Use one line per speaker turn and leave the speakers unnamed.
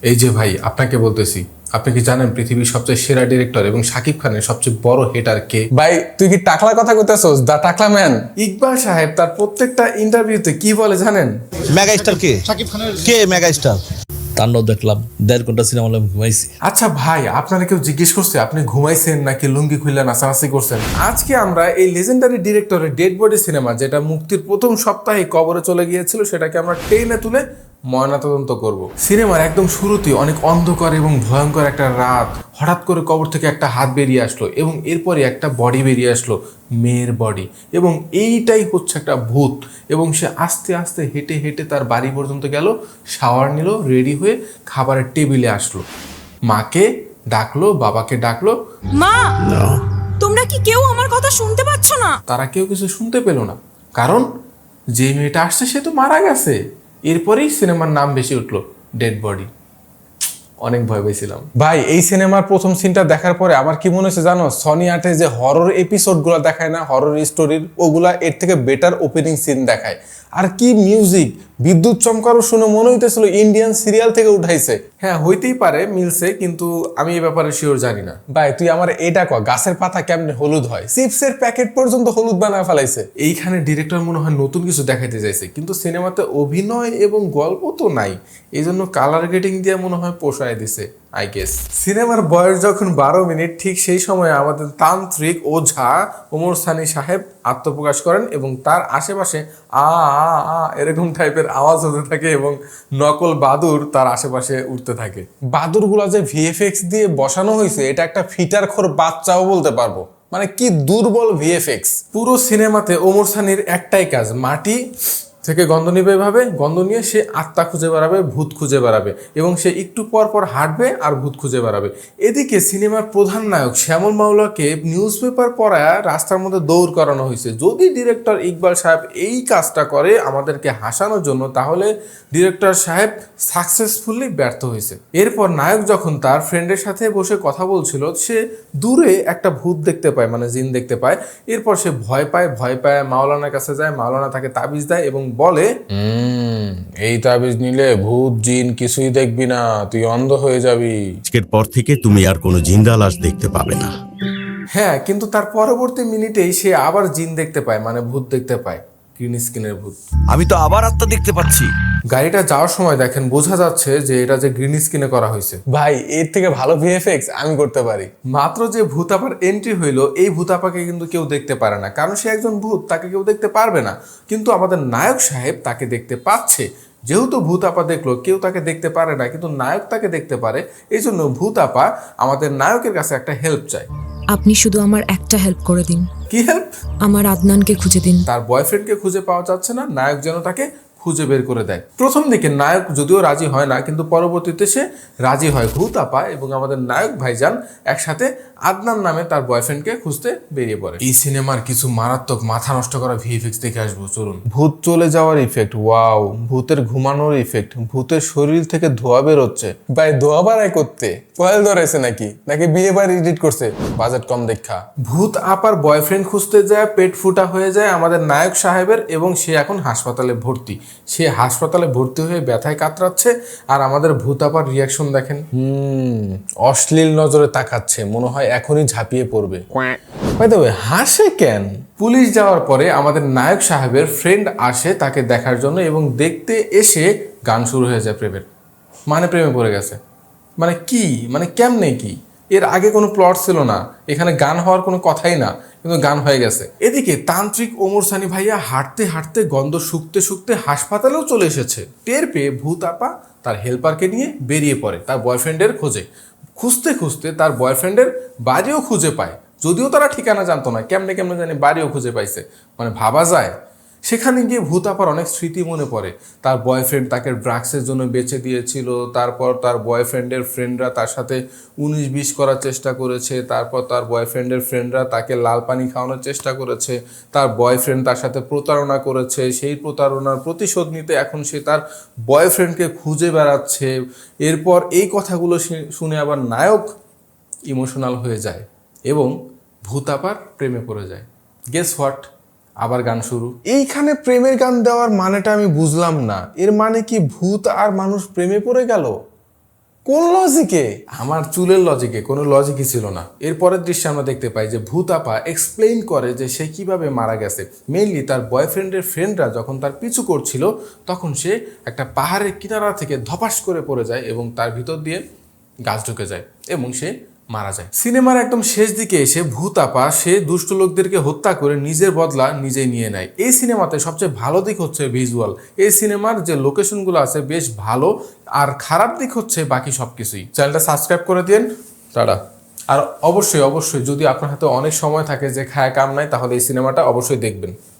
এই যে ভাই, আপনাকে বলতেছি, আপনি কি জানেন পৃথিবীর সবচেয়ে সেরা ডিরেক্টর এবং শাকিব খানের সবচেয়ে বড় হেটার কে?
ভাই তুই কি টাকলার কথা কইতাছস? দা টাকলা ম্যান।
ইকবাল সাহেব তার প্রত্যেকটা ইন্টারভিউতে কি বলে জানেন?
মেগা স্টার কে? কে মেগা স্টার?
তাণ্ডব দেখলাম, 1.5 ঘন্টা সিনেমা হলে ঘুমাইছি।
আচ্ছা ভাই, আপনারা কেউ জিজ্ঞেস করছে আপনি ঘুমাইছেন নাকি লুঙ্গি খুললে নাচানাচি করছেন? আজকে আমরা এই লেজেন্ডারি ডিরেক্টরের ডেড বডি সিনেমা, যেটা মুক্তির প্রথম সপ্তাহে কবরে চলে গিয়েছিল, সেটাকে আমরা টেনে তুলে ময়নাতদন্ত করব। সিনেমার একদম শুরুতেই অনেক অন্ধকার এবং ভয়ঙ্কর একটা রাত, হঠাৎ করে কবর থেকে একটা হাত বেরিয়ে আসলো এবং এরপরে একটা বডি বেরিয়ে আসলো, মেয়ের বডি, এবং এইটাই হচ্ছে একটা ভূত। এবং সে আস্তে আস্তে হেঁটে হেঁটে তার বাড়ি পর্যন্ত গেল, শাওয়ার নিল, রেডি হয়ে খাবারের টেবিলে আসলো, মাকে ডাকলো, বাবাকে ডাকলো,
মা, তোমরা কি কেউ আমার কথা শুনতে পাচ্ছ না?
তারা কেউ কিছু শুনতে পেল না, কারণ যে মেয়েটা আসছে সে তো মারা গেছে। এরপরেই সিনেমার নাম বেশি উঠলো, ডেড বডি। অনেক ভয় পেয়েছিলাম
ভাই এই সিনেমার প্রথম সিনটা দেখার পরে আমার কি মনে হচ্ছে জানো, সনি আর্টে যে হরর এপিসোডগুলো দেখায় না, হরর স্টোরির, ওগুলা এর থেকে বেটার ওপেনিং সিন দেখায়। আর কি মিউজিক, বিদ্যুৎ চমকারও শুনে মনে হইতেছিল ইন্ডিয়ান সিরিয়াল থেকে উঠাইছে।
হ্যাঁ, হইতেই পারে মিলছে, কিন্তু আমি এই ব্যাপারে শিওর জানি না।
ভাই তুই আমার এটা কয়, গাছের পাতা কেমনে হলুদ হয়? চিপসের প্যাকেট পর্যন্ত হলুদ বানায় ফেলাইছে।
এইখানে ডিরেক্টর মনে হয় নতুন কিছু দেখাইতে চাইছে, কিন্তু সিনেমাতে অভিনয় এবং গল্প তো নাই, এই জন্য কালার গ্রেডিং দিয়ে মনে হয় পোষায় দিছে, আই গেস। সিনেমার বয়স যখন 12 মিনিট, ঠিক সেই সময়ে আমাদের তান্ত্রিক ওঝা ওমর সানি সাহেব আত্মপ্রকাশ করেন এবং তার আশেপাশে আ আ আ এরকম টাইপের আওয়াজ হতে থাকে এবং নকল বাদুর তার আশেপাশে উঠতে থাকে।
বাদুরগুলা যে ভিএফএক্স দিয়ে বসানো হয়েছে, এটা একটা ফিটার খোর বাচ্চাও বলতে পারবো। মানে কি দুর্বল ভিএফএক্স।
পুরো সিনেমাতে ওমর সানির একটাই কাজ, মাটি থেকে গন্ধ নিবে, এভাবে গন্ধ নিয়ে সে আত্মা খুঁজে বেড়াবে, ভূত খুঁজে বেড়াবে, এবং সে একটু পর পর হাঁটবে আর ভূত খুঁজে বেড়াবে। এদিকে সিনেমার প্রধান নায়ক শ্যামল মাওলাকে নিউজ পেপার পড়ায় রাস্তার মধ্যে দৌড় করানো হয়েছে। যদি ডিরেক্টর ইকবাল সাহেব এই কাজটা করে আমাদেরকে হাসানোর জন্য, তাহলে ডিরেক্টর সাহেব সাকসেসফুলি ব্যর্থ হয়েছে। এরপর নায়ক যখন তার ফ্রেন্ডের সাথে বসে কথা বলছিল, সে দূরে একটা ভূত দেখতে পায়, মানে জিন দেখতে পায়। এরপর সে ভয় পায় মাওলানার কাছে যায়, মাওলানা তাকে তাবিজ দেয় এবং বলে,
এই তাবিজ নিলে ভূত জিন কিছুই দেখবি না, তুই অন্ধ হয়ে যাবি।
আজকের পর থেকে তুমি আর কোনো জিন্দা লাশ দেখতে পাবে না।
হ্যাঁ, কিন্তু তার পরবর্তী মিনিটেই সে আবার জিন দেখতে পায়, মানে ভূত দেখতে পায়, গ্রিন স্কিনের ভূত।
আমি তো আবার আত্মা দেখতে পাচ্ছি।
গাড়িটা যাওয়ার সময় দেখেন, বোঝা যাচ্ছে যে এটা যে গ্রিন স্কিনে করা হয়েছে।
ভাই এর থেকে ভালো ভিএফএক্স আমি করতে পারি।
মাত্র যে ভূতাপার এন্ট্রি হইলো, এই ভূতাপাকে কিন্তু কেউ দেখতে পারে না, কারণ সে একজন ভূত, তাকে কেউ দেখতে পারবে না। কিন্তু আমাদের নায়ক সাহেব তাকে দেখতে পাচ্ছে। যেহেতু ভূতাপা দেখলো, কেউ তাকে দেখতে পারে না, কিন্তু নায়ক তাকে দেখতে পারে। এই জন্য ভূতাপা আমাদের নায়কের কাছে একটা হেল্প চায়।
আপনি শুধু আমার একটা হেল্প করে দিন।
কি হেল্প?
আমার আদনানকে খুঁজে দিন।
তার বয়ফ্রেন্ডকে খুঁজে পাওয়া যাচ্ছে না, নায়ক যেন তাকে খুঁজে বের করে দেয়। প্রথম দিকে নায়ক যদিও রাজি হয় না, কিন্তু পরবর্তীতে সে রাজি হয়। ভূতাপা এবং আমাদের নায়ক ভাইজান একসাথে আদনান নামে তার বয়ফ্রেন্ডকে খুঁজতে বেরিয়ে পড়ে। এই সিনেমার কিছু মারাত্মক মাথা নষ্ট করা ভিএফএক্স দেখে আসবো, চলুন। ভূত চলে যাওয়ার ইফেক্ট, ওয়াও। ভূতের ঘুমানোর ইফেক্ট, ভূতের শরীর থেকে ধোয়া বেরোচ্ছে।
ভাই ধোয়া বাড়াই করতে কয়েল ধরেছে নাকি বিয়ে বাড়ি এডিট করছে বাজেট কম দেখা।
ভূত আপার বয়ফ্রেন্ড খুঁজতে যায়, পেট ফুটা হয়ে যায় আমাদের নায়ক সাহেবের, এবং সে এখন হাসপাতালে ভর্তি। সে হাসপাতালে ভর্তি হয়ে ব্যথায় কাতরাচ্ছে, আর আমাদের ভূত আপার রিয়াকশন দেখেন।
অশ্লীল নজরে তাকাচ্ছে, মনে হয় এখনই ঝাঁপিয়ে পড়বে। ভাই তবে হাসে কেন?
পুলিশ যাওয়ার পরে আমাদের নায়ক সাহেবের ফ্রেন্ড আসে তাকে দেখার জন্য, এবং দেখতে এসে গান শুরু হয়ে যায় প্রেমের। মানে প্রেমে পড়ে গেছে। মানে কি, মানে কেমনে কি? এর আগে কোনো প্লট ছিল না, এখানে গান হওয়ার কোনো কথাই না, কিন্তু গান হয়ে গেছে। এদিকে তান্ত্রিক ওমর সানি ভাইয়া হাঁটতে হাঁটতে গন্ধ শুকতে শুকতে হাসপাতালেও চলে এসেছে। টের পেয়ে ভূত আপা তার হেল্পারকে নিয়ে বেরিয়ে পড়ে তার বয়ফ্রেন্ডের খোঁজে। খুঁজতে খুঁজতে তার বয়ফ্রেন্ডের বাড়িও খুঁজে পায়, যদিও তারা ঠিকানা জানতো না। কেমনে কেমনে জানি বাড়িও খুঁজে পাইছে, মানে ভাবা যায়। সেখানে গিয়ে ভূত আপার অনেক স্মৃতি মনে পড়ে। তার বয়ফ্রেন্ড তাকে ড্রাগসের জন্য বেঁচে দিয়েছিল, তারপর তার বয়ফ্রেন্ডের ফ্রেন্ডরা তার সাথে 19-20 করার চেষ্টা করেছে, তারপর তার বয়ফ্রেন্ডের ফ্রেন্ডরা তাকে লাল পানি খাওয়ানোর চেষ্টা করেছে, তার বয়ফ্রেন্ড তার সাথে প্রতারণা করেছে, সেই প্রতারণার প্রতিশোধ নিতে এখন সে তার বয়ফ্রেন্ডকে খুঁজে বেড়াচ্ছে। এরপর এই কথাগুলো শুনে আবার নায়ক ইমোশনাল হয়ে যায় এবং ভূত আপার প্রেমে পড়ে যায়। গেস হোয়াট, আবার গান শুরু।
এইখানে প্রেমের গান দেওয়ার মানেটা আমি বুঝলাম না। এর মানে কি ভূত আর মানুষ প্রেমে পড়ে গেল? কোন লজিকে?
আমার চুলের লজিকে কোনো লজিকই ছিল না। এরপরের দৃশ্যে আমরা দেখতে পাই যে ভূত আপা এক্সপ্লেইন করে যে সে কিভাবে মারা গেছে। মেইনলি তার বয়ফ্রেন্ডের ফ্রেন্ডরা যখন তার পিছু করছিল তখন সে একটা পাহাড়ের কিনারা থেকে ধপাস করে পড়ে যায় এবং তার ভিতর দিয়ে গাছ ঢুকে যায় এবং সে মারা যায়। সিনেমার একদম শেষ দিকে এসে ভূত আপা সে দুষ্ট লোকদেরকে হত্যা করে নিজের বদলা নিজেই নিয়ে নেয়। এই সিনেমাতে সবচেয়ে ভালো দিক হচ্ছে ভিজুয়াল। এই সিনেমার যে লোকেশনগুলো আছে বেশ ভালো, আর খারাপ দিক হচ্ছে বাকি সব কিছুই। চ্যানেলটা সাবস্ক্রাইব করে দিন, টাটা। আর অবশ্যই অবশ্যই যদি আপনার হাতে অনেক সময় থাকে যে খায় কাম নাই, তাহলে এই সিনেমাটা অবশ্যই দেখবেন।